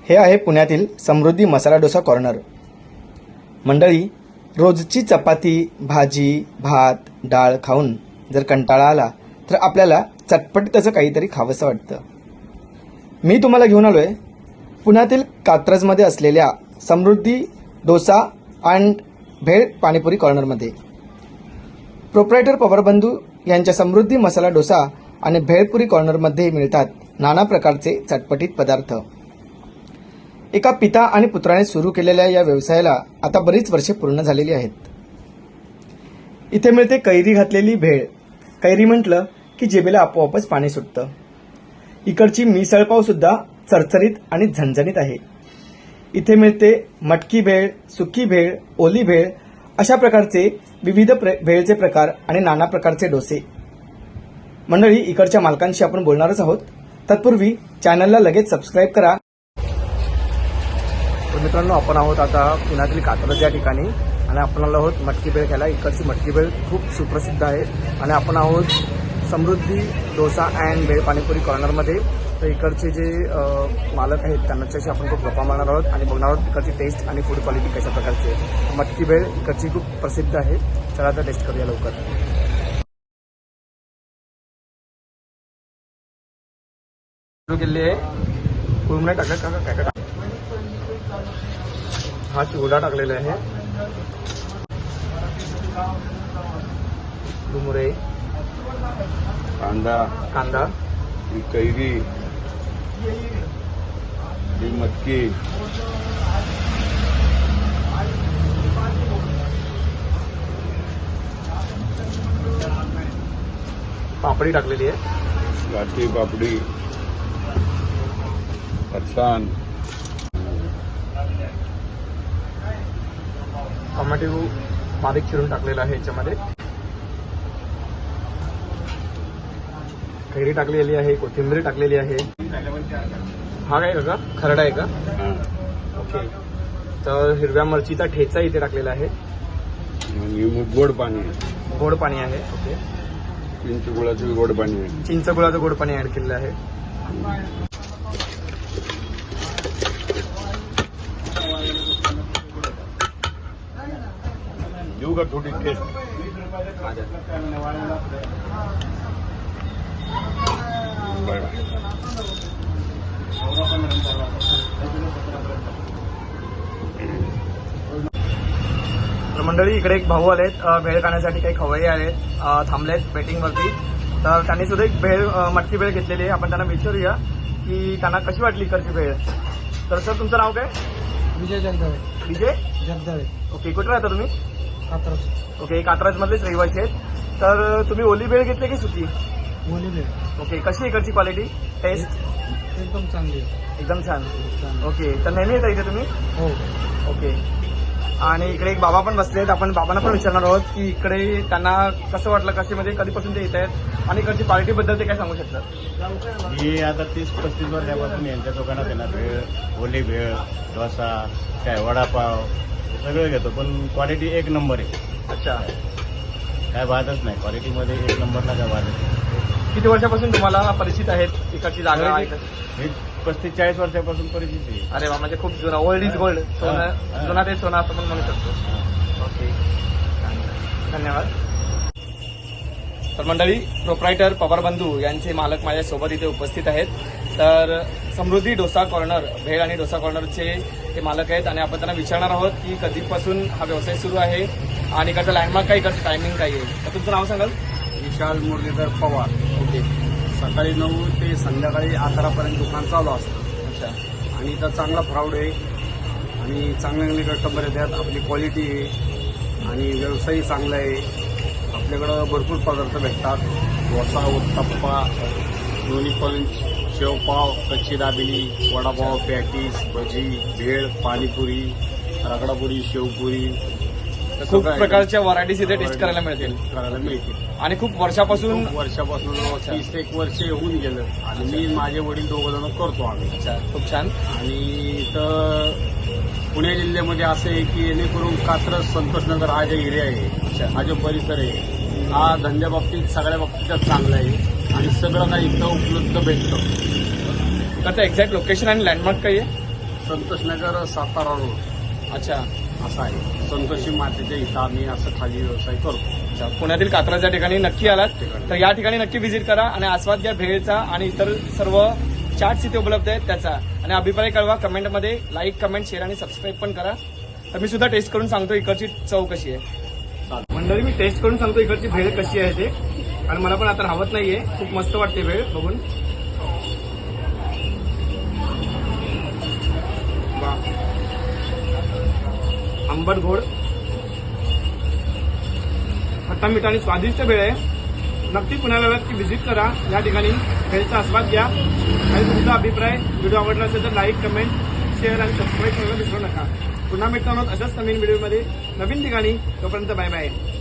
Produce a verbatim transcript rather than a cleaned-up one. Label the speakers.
Speaker 1: हे आहे पुण्यातील समृद्धी मसाला डोसा कॉर्नर। मंडळी, रोजची चपाती भाजी भात डाळ खाऊन जर कंटाळा आला तर आपल्याला चटपटीत असं काहीतरी खावंसं वाटतं। मी तुम्हाला घेऊन आलो आहे पुण्यातील कात्रजमध्ये असलेल्या समृद्धी डोसा अँड भेळ पाणीपुरी कॉर्नरमध्ये। प्रोप्रायटर पवारबंधू यांच्या समृद्धी मसाला डोसा आणि भेळपुरी कॉर्नरमध्ये मिळतात नाना प्रकारचे चटपटीत पदार्थ। एका पिता आणि पुत्राने सुरू केलेल्या या व्यवसायाला आता बरीच वर्षे पूर्ण झालेली आहेत। इथे मिळते कैरी घातलेली भेळ। कैरी म्हटलं की जिभेला आपोआपच पाणी सुटतं। इकडची मिसळपाव सुद्धा चरचरीत आणि झणझणीत आहे। इथे मिळते मटकी भेळ, सुकी भेळ, ओली भेळ अशा प्रकारचे विविध प्र भेळचे प्रकार आणि नाना प्रकारचे डोसे। मंडळी, इकडच्या मालकांशी आपण बोलणारच आहोत। तत्पूर्वी चॅनलला लगेच सबस्क्राईब करा। तर मित्रांनो, आपण आहोत आता पुण्यातील कात्रज या ठिकाणी आणि आपण आलो आहोत मटकी भेळ खायला। इकडची मटकी भेळ खूप सुप्रसिद्ध आहे आणि आपण आहोत समृद्धी डोसा अँड भेळ पाणीपुरी कॉर्नरमध्ये। तर इकडचे जे मालक आहेत त्यांच्याशी आपण खूप गप्पा मारणार आहोत आणि बघणार आहोत इकडची टेस्ट आणि फूड क्वालिटी कशा प्रकारची आहे। मटकी भेळ इकडची खूप प्रसिद्ध आहे। चला आता टेस्ट करूया लवकर। सुरू केली आहे पूर्ण नाही टाकलं का काय काय हा चिवडा टाकलेला आहे, डुमुरे,
Speaker 2: कांदा
Speaker 1: कांदा,
Speaker 2: ही कैरी, ही मटकी,
Speaker 1: पापडी टाकलेली आहे,
Speaker 2: गाठी पापडी, फरसाण,
Speaker 1: टोमॅटो बारीक चिरून टाकलेला आहे याच्यामध्ये, कैरी टाकलेली आहे, कोथिंबीर टाकलेली आहे। हा काय का खरडा आहे का? ओके। तर हिरव्या मिरचीचा ठेचा इथे टाकलेला आहे
Speaker 2: आणि गोड पाणी आहे,
Speaker 1: गोड पाणी आहे। ओके।
Speaker 2: चिंच गुळाचं गोड पाणी आहे,
Speaker 1: चिंच गुळाचं गोड पाणी ऍड केलेलं आहे।
Speaker 2: देऊ का थोडी टेस्ट?
Speaker 1: तर मंडळी, इकडे एक भाऊ आलेत भेळ खाण्यासाठी, काही खवय्ये आलेत, थांबलेत वेटिंग वरती। तर त्यांनी सुद्धा एक भेळ मटकी भेळ घेतलेली आहे। आपण त्यांना विचारूया की त्यांना कशी वाटली इकडची भेळ। तर सर, तुमचं नाव काय?
Speaker 3: विजय जगदाळे.
Speaker 1: विजय
Speaker 3: जगदाळे.
Speaker 1: ओके। कुठे राहता तुम्ही?
Speaker 3: कात्रज.
Speaker 1: ओके, कात्रज मधलेच रहिवासी आहेत। तर तुम्ही ओली भेळ घेतली की सुकी?
Speaker 3: ओली भेळ.
Speaker 1: ओके। कशी आहे इकडची क्वालिटी, टेस्ट?
Speaker 3: एकदम चांगली आहे.
Speaker 1: एकदम छान।
Speaker 3: छान.
Speaker 1: ओके। तर नेहमी येता इथे तुम्ही?
Speaker 3: हो.
Speaker 1: ओके। आणि इकडे एक बाबा पण बसले आहेत। आपण बाबांना पण विचारणार आहोत की इकडे त्यांना कसं वाटलं, कसे म्हणजे कधीपासून ते येत आहेत आणि इकडची क्वालिटी बद्दल ते काय सांगू शकतात?
Speaker 4: मी आता तीस पस्तीस वर्षापासून यांच्या दुकानात येणार भेळ, ओली भेळ, डोसा, काय वडापाव सगळं घेतो, पण क्वालिटी एक नंबर आहे।
Speaker 1: अच्छा।
Speaker 4: काय वादच नाही, क्वालिटीमध्ये एक नंबरला काय वादच नाही।
Speaker 1: किती वर्षापासून तुम्हाला परिचित आहेत इकडची जागा?
Speaker 4: मी पस्तीस चाळीस वर्षापासून परिचित आहे।
Speaker 1: अरे वा, म्हणजे खूप जुना, ओल्ड इज गोल्ड, सोनं जुना ते सोनं असं पण म्हणू शकतो। ओके, धन्यवाद। तर मंडळी, प्रोप्रायटर पवारबंधू यांचे मालक माझ्या सोबत इथे उपस्थित आहेत। तर समृद्धी डोसा कॉर्नर, भेळ आणि डोसा कॉर्नरचे ते मालक आहेत आणि आपण त्यांना विचारणार आहोत की कधीपासून हा व्यवसाय सुरू आहे आणि इकडचा लँडमार्क काय, इकडचं टायमिंग काय आहे। तर तुमचं नाव सांगाल?
Speaker 5: विशाल मुरलीधर पवार.
Speaker 1: ओके।
Speaker 5: सकाळी नऊ ते संध्याकाळी अकरापर्यंत दुकान चालू असतं.
Speaker 1: अच्छा।
Speaker 5: आणि इथं चांगला फ्राऊड आहे आणि चांगले चांगले कस्टमर येतात, आपली क्वालिटी आहे आणि व्यवसायही चांगला आहे। आपल्याकडं भरपूर पदार्थ भेटतात, डोसा, उत्तप्पा, दोन्ही पंच, शेवपाव, कच्ची दाबेली, वडापाव, पॅटीस, भजी, भेळ, पाणीपुरी, रगडापुरी, शेवपुरी,
Speaker 1: खूप प्रकारच्या व्हरायटीज इथे टेस्ट करायला मिळतील
Speaker 5: करायला मिळतील
Speaker 1: आणि खूप वर्षापासून
Speaker 5: खूप वर्षापासून तीस एक वर्ष होऊन गेलं आणि मी माझे वडील दोघं जण करतो आम्ही।
Speaker 1: अच्छा, खूप छान।
Speaker 5: आणि इथं पुणे जिल्ह्यामध्ये असं आहे की जेणेकरून कात्रज, संतोषनगर हा जो एरिया आहे, हा जो परिसर आहे, हा धंद्या बाबतीत सगळ्या बाबतीत चांगला आहे आणि सगळं काही इथं उपलब्ध भेटतं।
Speaker 1: त्याचं एक्झॅक्ट लोकेशन आणि लँडमार्क काय आहे?
Speaker 5: संतोषनगर सातारा रोड
Speaker 1: अच्छा
Speaker 5: असा आहे. संतोषी मातेच्या इथं आम्ही असं खाली व्यवसाय करतो.
Speaker 1: अच्छा पुण्यातील कात्रजच्या ठिकाणी नक्की आलात तर या ठिकाणी नक्की व्हिजिट करा आणि आस्वाद घ्या भेळचा आणि इतर सर्व चार्ट्स इथे उपलब्ध आहेत त्याचा. आणि अभिप्राय कळवा कमेंटमध्ये. लाईक कमेंट शेअर आणि सबस्क्राईब पण करा. तर मी सुद्धा टेस्ट करून सांगतो इकडची चव कशी आहे. मंडळी मी टेस्ट करून सांगतो इकडची भेळ कशी आहे ते. आणि मला पण आता राहत नाहीये. खूप मस्त वाटते भेळ बघून. वा. आंबट गोड खट्टा मीठ आणि स्वादिष्ट भेळ आहे. नक्की पुण्याला की व्हिजिट करा. या ठिकाणी भेळचा आस्वाद घ्या आणि तुमचा अभिप्राय व्हिडिओ आवडला असेल तर लाईक कमेंट शेअर आणि सबस्क्राईब करायला विसरू नका. पुन्हा भेटणार आहोत अशाच नवीन व्हिडिओमध्ये नवीन ठिकाणी. तोपर्यंत बाय बाय.